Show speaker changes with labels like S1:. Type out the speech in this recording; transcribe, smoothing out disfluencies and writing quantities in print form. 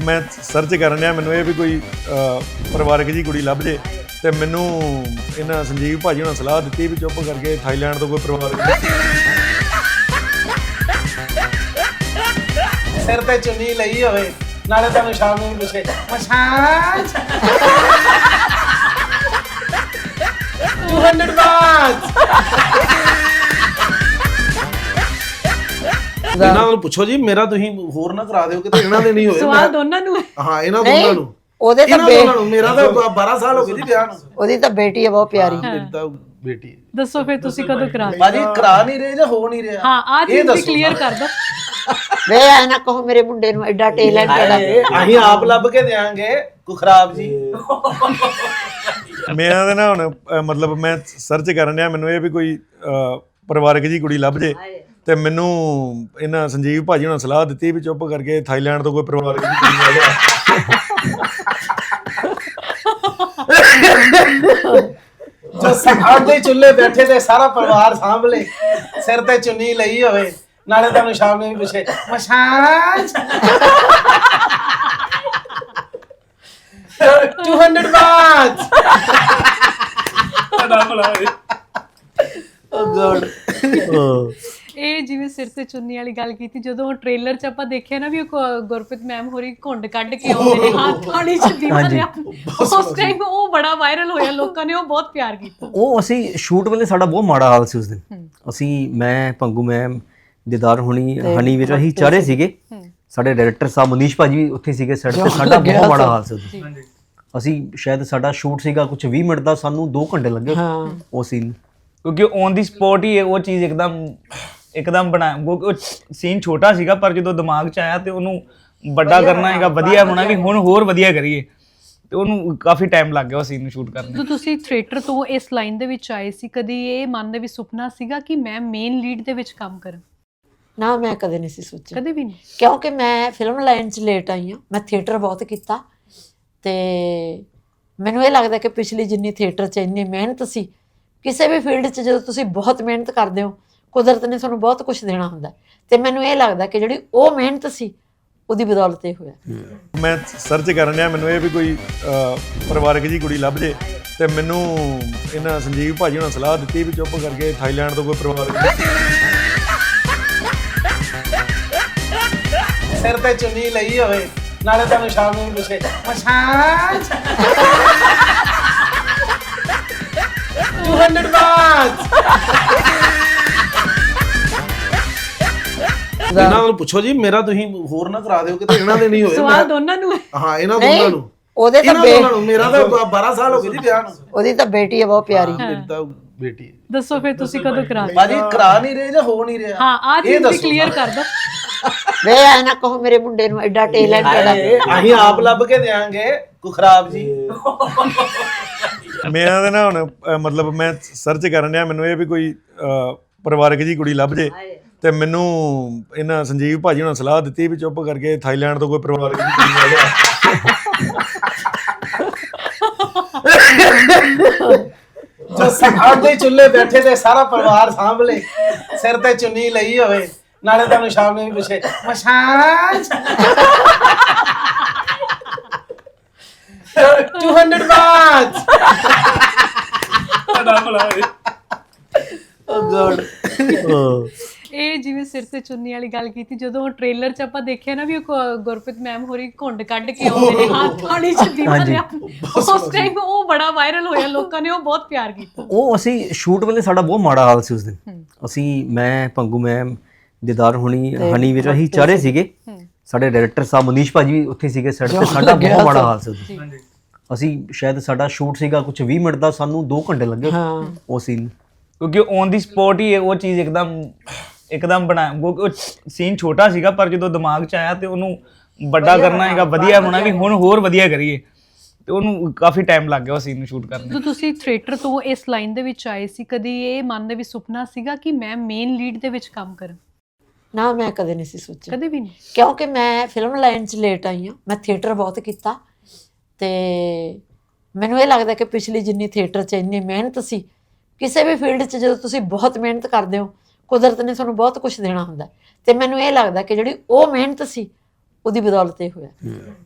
S1: मैं सर्च करन डਿਆ ਮੈਨੂੰ ਇਹ ਵੀ ਕੋਈ ਪਰਿਵਾਰਕ ਜੀ ਕੁੜੀ ਲੱਭ ਜੇ ਤੇ ਮੈਨੂੰ ਇਹਨਾਂ ਸੰਜੀਵ ਭਾਜੀ ਉਹਨਾਂ ਸਲਾਹ ਦਿੱਤੀ ਵੀ ਚੁੱਪ ਕਰਕੇ ਥਾਈਲੈਂਡ ਤੋਂ ਕੋਈ ਪਰਿਵਾਰਕ
S2: ਸਿਰ ਤੇ ਚੁੰਨੀ ਲਈ ਹੋਵੇ ਨਾਲੇ ਤੁਹਾਨੂੰ ਸ਼ਾਮ ਨੂੰ ਪੁੱਛੇ ਮਸਾਜ 200 ਬਾਤ ਇਹਨਾਂ ਨੂੰ ਪੁੱਛੋ ਜੀ ਮੇਰਾ ਤੁਸੀਂ ਹੋਰ ਨਾ ਕਰਾ ਦਿਓ ਕਿਤੇ ਇਹਨਾਂ ਦੇ ਨਹੀਂ ਹੋਏ
S3: ਸਵਾਲ ਦੋਨਾਂ ਨੂੰ
S2: ਹਾਂ ਇਹਨਾਂ ਦੋਨਾਂ ਨੂੰ
S4: ਉਹਦੇ ਤਾਂ
S2: ਮੇਰਾ ਤਾਂ 12 ਸਾਲ ਹੋ ਗਏ ਜੀ ਵਿਆਹ ਨੂੰ
S4: ਉਹਦੀ ਤਾਂ ਬੇਟੀ ਹੈ ਬਹੁਤ ਪਿਆਰੀ
S2: ਮੇਰੀ ਤਾਂ ਬੇਟੀ ਹੈ
S3: ਦੱਸੋ ਫਿਰ ਤੁਸੀਂ ਕਦੋਂ ਕਰਾ ਰਹੇ?
S2: ਬਾਜੀ ਕਰਾ ਨਹੀਂ ਰਹੇ ਜਾਂ ਹੋ ਨਹੀਂ ਰਿਹਾ
S3: ਹਾਂ ਆ ਚੀਜ਼ ਵੀ ਕਲੀਅਰ ਕਰ ਦੋ
S4: ਵੇ ਐ ਨਾ ਕਹੋ ਮੇਰੇ ਮੁੰਡੇ ਨੂੰ ਐਡਾ ਟੈਲੈਂਟ ਹੈ
S2: ਅਸੀਂ ਆਪ ਲੱਭ ਕੇ ਦੇਾਂਗੇ ਕੋਈ ਖਰਾਬ ਜੀ
S1: ਮੇਰਾ ਤਾਂ ਨਾ ਹੁਣ ਮਤਲਬ ਮੈਂ ਸਰਚ ਕਰਨ ਡਿਆ ਮੈਨੂੰ ਇਹ ਵੀ ਕੋਈ ਪਰਿਵਾਰਕ ਜੀ ਕੁੜੀ ਲੱਭ ਜੇ ਤੇ ਮੈਨੂੰ ਇਹਨਾਂ ਸੰਜੀਵ ਭਾਜੀ ਉਹਨਾਂ ਸਲਾਹ ਦਿੱਤੀ ਵੀ ਚੁੱਪ ਕਰਕੇ ਥਾਈਲੈਂਡ ਤੋਂ ਕੋਈ ਪਰਿਵਾਰਕ ਜੀ ਕੁੜੀ ਆ ਜਾ
S2: ਜੋ ਸਾਡੇ ਚੁੱਲ੍ਹੇ ਬੈਠੇ ਤੇ ਸਾਰਾ ਪਰਿਵਾਰ ਸਾਂਭਲੇ ਸਿਰ ਤੇ ਚੁੰਨੀ ਲਈ ਹੋਵੇ ਨਾਲੇ ਤੁਹਾਨੂੰ ਸ਼ਾਮ ਨੂੰ ਪੁੱਛੇ ਮਸਾਜ 200 ਬਾਤ ਓ ਗॉड
S3: ਇਹ ਜਿਵੇਂ ਸਿਰ ਤੇ ਚੁੰਨੀ ਵਾਲੀ ਗੱਲ ਕੀਤੀ ਜਦੋਂ ਟ੍ਰੇਲਰ 'ਚ ਆਪਾਂ ਦੇਖਿਆ ਨਾ ਵੀ ਉਹ ਗੁਰਪ੍ਰੀਤ ਮੈਮ ਹੋਰੀ ਘੁੰਡ ਕੱਢ ਕੇ ਆਉਂਦੇ ਨੇ ਹੱਥ ਥਾਲੀ 'ਚ ਦੀਵਾ ਲਿਆ ਉਸ ਟਾਈਮ ਉਹ ਬੜਾ ਵਾਇਰਲ ਹੋਇਆ ਲੋਕਾਂ ਨੇ ਉਹ ਬਹੁਤ ਪਿਆਰ ਕੀਤਾ
S5: ਉਹ ਅਸੀਂ ਸ਼ੂਟ ਵੇਲੇ ਸਾਡਾ ਬਹੁਤ ਮਾੜਾ ਹਾਲ ਸੀ ਉਸ ਦਿਨ ਅਸੀਂ ਮੈਂ ਪੰਗੂ ਮੈਮ ਦਿਦਾਰ ਹੁਣੀ ਹਨੀ ਵੀਰ ਅਸੀਂ ਚਾਰੇ ਸੀਗੇ ਸਾਡੇ ਡਾਇਰੈਕਟਰ ਸਾਹਿਬ ਮਨੀਸ਼ ਭਾਜੀ ਵੀ ਉੱਥੇ ਸੀਗੇ ਸੈੱਟ ਤੇ ਸਾਡਾ ਬਹੁਤ ਮਾੜਾ ਹਾਲ ਸੀ ਉਸ ਦਿਨ ਅਸੀਂ ਸ਼ਾਇਦ ਸਾਡਾ ਸ਼ੂਟ ਸੀਗਾ ਕੁਝ 20 ਮਿੰਟ ਦਾ ਸਾਨੂੰ 2 ਘੰਟੇ ਲੱਗੇ ਉਹ ਸੀਨ
S6: ਕਿਉਂਕਿ ਔਨ ਦੀ ਸਪੌਟ ਹੀ ਉਹ ਚੀਜ਼ ਇੱਕਦਮ ਬਣਾ ਉਹ ਸੀਨ ਛੋਟਾ ਸੀਗਾ ਪਰ ਜਦੋਂ ਦਿਮਾਗ 'ਚ ਆਇਆ ਤੇ ਉਹਨੂੰ ਵੱਡਾ ਕਰਨਾ ਹੈਗਾ ਵਧੀਆ ਹੋਣਾ ਵੀ ਹੁਣ ਹੋਰ ਵਧੀਆ ਕਰੀਏ ਤੇ ਉਹਨੂੰ ਕਾਫੀ ਟਾਈਮ ਲੱਗ ਗਿਆ ਉਹ ਸੀਨ ਨੂੰ ਸ਼ੂਟ ਕਰਨ
S3: ਜਦੋਂ ਤੁਸੀਂ ਥੀਏਟਰ ਤੋਂ ਇਸ ਲਾਈਨ ਦੇ ਵਿੱਚ ਆਏ ਸੀ ਕਦੀ ਇਹ ਮਨ ਦੇ ਵਿੱਚ ਸੁਪਨਾ ਸੀਗਾ ਕਿ ਮੈਂ ਮੇਨ ਲੀਡ ਦੇ ਵਿੱਚ ਕੰਮ ਕਰਾਂ?
S4: ਨਾ ਮੈਂ ਕਦੇ ਨਹੀਂ ਸੀ ਸੋਚਿਆ
S3: ਕਦੇ ਵੀ ਨਹੀਂ
S4: ਕਿਉਂਕਿ ਮੈਂ ਫਿਲਮ ਲਾਈਨ 'ਚ ਲੇਟ ਆਈ ਹਾਂ ਮੈਂ ਥੀਏਟਰ ਬਹੁਤ ਕੀਤਾ ਤੇ ਮੈਨੂੰ ਇਹ ਲੱਗਦਾ ਕਿ ਪਿਛਲੀ ਜਿੰਨੀ ਥੀਏਟਰ 'ਚ ਇੰਨੀ ਮਿਹਨਤ ਸੀ ਕਿਸੇ ਵੀ ਫੀਲਡ 'ਚ ਜਦੋਂ ਤੁਸੀਂ ਬਹੁਤ ਮਿਹਨਤ ਕਰਦੇ ਹੋ ਕੁਦਰਤ ਨੇ ਤੁਹਾਨੂੰ ਬਹੁਤ ਕੁਝ ਦੇਣਾ ਹੁੰਦਾ ਤੇ ਮੈਨੂੰ ਇਹ ਲੱਗਦਾ ਕਿ ਜਿਹੜੀ ਉਹ ਮਿਹਨਤ ਸੀ ਉਹਦੀ ਬਦੌਲਤ ਇਹ ਹੋਇਆ
S1: ਮੈਂ ਸਰਚ ਕਰਨ ਡਿਆ ਮੈਨੂੰ ਇਹ ਵੀ ਕੋਈ ਪਰਿਵਾਰਕ ਜੀ ਕੁੜੀ ਲੱਭ ਜੇ ਤੇ ਮੈਨੂੰ ਇਹਨਾਂ ਸੰਜੀਵ ਭਾਜੀ ਉਹਨਾਂ ਸਲਾਹ ਦਿੱਤੀ ਵੀ ਚੁੱਪ ਕਰਕੇ ਥਾਈਲੈਂਡ ਤੋਂ ਕੋਈ ਪਰਿਵਾਰਕ
S2: ਸਿਰ ਤੇ ਚੁੰਨੀ ਲਈ ਹੋਵੇ ਨਾਲੇ ਤੁਹਾਨੂੰ ਸ਼ਾਮ ਨੂੰ ਪੁੱਛੇ ਮਸਾਜ 200 ਬਾਤ ਇਹਨਾਂ ਨੂੰ ਪੁੱਛੋ ਜੀ ਮੇਰਾ ਤੁਸੀਂ ਹੋਰ ਨਾ ਕਰਾ ਦਿਓ ਕਿਤੇ ਇਹਨਾਂ ਦੇ ਨਹੀਂ ਹੋਏ
S3: ਸਵਾਲ ਦੋਨਾਂ ਨੂੰ
S2: ਹਾਂ ਇਹਨਾਂ ਦੋਨਾਂ ਨੂੰ
S4: ਉਹਦੇ ਤਾਂ
S2: ਇਹਨਾਂ ਨੂੰ ਮੇਰਾ ਤਾਂ 12 ਸਾਲ ਹੋ ਗਏ ਜੀ ਵਿਆਹ ਨੂੰ
S4: ਉਹਦੀ ਤਾਂ ਬੇਟੀ ਹੈ ਬਹੁਤ ਪਿਆਰੀ
S2: ਮੇਰੀ ਤਾਂ ਬੇਟੀ ਹੈ
S3: ਦੱਸੋ ਫਿਰ ਤੁਸੀਂ ਕਦੋਂ ਕਰਾ ਰਹੇ?
S2: ਬਾਜੀ ਕਰਾ ਨਹੀਂ ਰਹੇ ਜਾਂ ਹੋ ਨਹੀਂ ਰਿਹਾ
S3: ਹਾਂ ਆ ਚੀਜ਼ ਵੀ ਕਲੀਅਰ ਕਰ ਦੋ
S4: ਵੇ ਐ ਨਾ ਕਹੋ ਮੇਰੇ ਮੁੰਡੇ ਨੂੰ ਐਡਾ ਟੈਲੈਂਟ ਹੈ
S2: ਅਸੀਂ ਆਪ ਲੱਭ ਕੇ ਦੇਾਂਗੇ ਕੋਈ ਖਰਾਬ ਜੀ
S1: ਮੇਰਾ ਤਾਂ ਨਾ ਹੁਣ ਮਤਲਬ ਮੈਂ ਸਰਚ ਕਰਨ ਡਿਆ ਮੈਨੂੰ ਇਹ ਵੀ ਕੋਈ ਪਰਿਵਾਰਕ ਜੀ ਕੁੜੀ ਲੱਭ ਜੇ ਤੇ ਮੈਨੂੰ ਇਹਨਾਂ ਸੰਜੀਵ ਭਾਜੀ ਉਹਨਾਂ ਸਲਾਹ ਦਿੱਤੀ ਵੀ ਚੁੱਪ ਕਰਕੇ ਥਾਈਲੈਂਡ ਤੋਂ ਕੋਈ ਪਰਿਵਾਰਕ ਜੀ ਕੁੜੀ ਆ ਜਾ
S2: ਜੋ ਸਾਡੇ ਚੁੱਲ੍ਹੇ ਬੈਠੇ ਤੇ ਸਾਰਾ ਪਰਿਵਾਰ ਸਾਂਭਲੇ ਸਿਰ ਤੇ ਚੁੰਨੀ ਲਈ ਹੋਵੇ ਨਾਲੇ ਤੁਹਾਨੂੰ ਸ਼ਾਮ ਨੂੰ ਪੁੱਛੇ ਮਸਾਜ 200 ਬਾਤ ਓ ਗॉड
S3: ਇਹ ਜਿਵੇਂ ਸਿਰ ਤੇ ਚੁੰਨੀ ਵਾਲੀ ਗੱਲ ਕੀਤੀ ਜਦੋਂ ਟ੍ਰੇਲਰ 'ਚ ਆਪਾਂ ਦੇਖਿਆ ਨਾ ਵੀ ਉਹ ਗੁਰਪ੍ਰੀਤ ਮੈਮ ਹੋਰੀ ਘੁੰਡ ਕੱਢ ਕੇ ਆਉਂਦੇ ਨੇ ਹੱਥ ਥਾਲੀ 'ਚ ਦੀਵਾ ਲਿਆ ਉਸ ਟਾਈਮ ਉਹ ਬੜਾ ਵਾਇਰਲ ਹੋਇਆ ਲੋਕਾਂ ਨੇ ਉਹ ਬਹੁਤ ਪਿਆਰ ਕੀਤਾ
S5: ਉਹ ਅਸੀਂ ਸ਼ੂਟ ਵੇਲੇ ਸਾਡਾ ਬਹੁਤ ਮਾੜਾ ਹਾਲ ਸੀ ਉਸ ਦਿਨ ਅਸੀਂ ਮੈਂ ਪੰਗੂ ਮੈਮ ਦਿਦਾਰ ਹੁਣੀ ਹਨੀ ਵੀਰ ਅਸੀਂ ਚਾਰੇ ਸੀਗੇ ਸਾਡੇ ਡਾਇਰੈਕਟਰ ਸਾਹਿਬ ਮਨੀਸ਼ ਭਾਜੀ ਵੀ ਉੱਥੇ ਸੀਗੇ ਸੈੱਟ ਤੇ ਸਾਡਾ ਬਹੁਤ ਮਾੜਾ ਹਾਲ ਸੀ ਉਸ ਦਿਨ ਅਸੀਂ ਸ਼ਾਇਦ ਸਾਡਾ ਸ਼ੂਟ ਸੀਗਾ ਕੁਝ 20 ਮਿੰਟ ਦਾ ਸਾਨੂੰ 2 ਘੰਟੇ ਲੱਗੇ ਉਹ ਸੀਨ
S6: ਕਿਉਂਕਿ ਔਨ ਦੀ ਸਪੌਟ ਹੀ ਉਹ ਚੀਜ਼ ਇੱਕਦਮ ਬਣਾ ਉਹ ਸੀਨ ਛੋਟਾ ਸੀਗਾ ਪਰ ਜਦੋਂ ਦਿਮਾਗ 'ਚ ਆਇਆ ਤੇ ਉਹਨੂੰ ਵੱਡਾ ਕਰਨਾ ਹੈਗਾ ਵਧੀਆ ਹੋਣਾ ਵੀ ਹੁਣ ਹੋਰ ਵਧੀਆ ਕਰੀਏ ਤੇ ਉਹਨੂੰ ਕਾਫੀ ਟਾਈਮ ਲੱਗ ਗਿਆ ਉਹ ਸੀਨ ਨੂੰ ਸ਼ੂਟ ਕਰਨ
S3: ਜਦੋਂ ਤੁਸੀਂ ਥੀਏਟਰ ਤੋਂ ਇਸ ਲਾਈਨ ਦੇ ਵਿੱਚ ਆਏ ਸੀ ਕਦੀ ਇਹ ਮਨ ਦੇ ਵਿੱਚ ਸੁਪਨਾ ਸੀਗਾ ਕਿ ਮੈਂ ਮੇਨ ਲੀਡ ਦੇ ਵਿੱਚ ਕੰਮ ਕਰਾਂ?
S4: ਨਾ ਮੈਂ ਕਦੇ ਨਹੀਂ ਸੀ ਸੋਚਿਆ
S3: ਕਦੇ ਵੀ ਨਹੀਂ
S4: ਕਿਉਂਕਿ ਮੈਂ ਫਿਲਮ ਲਾਈਨ 'ਚ ਲੇਟ ਆਈ ਹਾਂ ਮੈਂ ਥੀਏਟਰ ਬਹੁਤ ਕੀਤਾ ਤੇ ਮੈਨੂੰ ਇਹ ਲੱਗਦਾ ਕਿ ਪਿਛਲੀ ਜਿੰਨੀ ਥੀਏਟਰ 'ਚ ਇੰਨੀ ਮਿਹਨਤ ਸੀ ਕਿਸੇ ਵੀ ਫੀਲਡ 'ਚ ਜਦੋਂ ਤੁਸੀਂ ਬਹੁਤ ਮਿਹਨਤ ਕਰਦੇ ਹੋ ਕੁਦਰਤ ਨੇ ਤੁਹਾਨੂੰ ਬਹੁਤ ਕੁਝ ਦੇਣਾ ਹੁੰਦਾ ਤੇ ਮੈਨੂੰ ਇਹ ਲੱਗਦਾ ਕਿ ਜਿਹੜੀ ਉਹ ਮਿਹਨਤ ਸੀ ਉਹਦੀ ਬਦੌਲਤ ਇਹ ਹੋਇਆ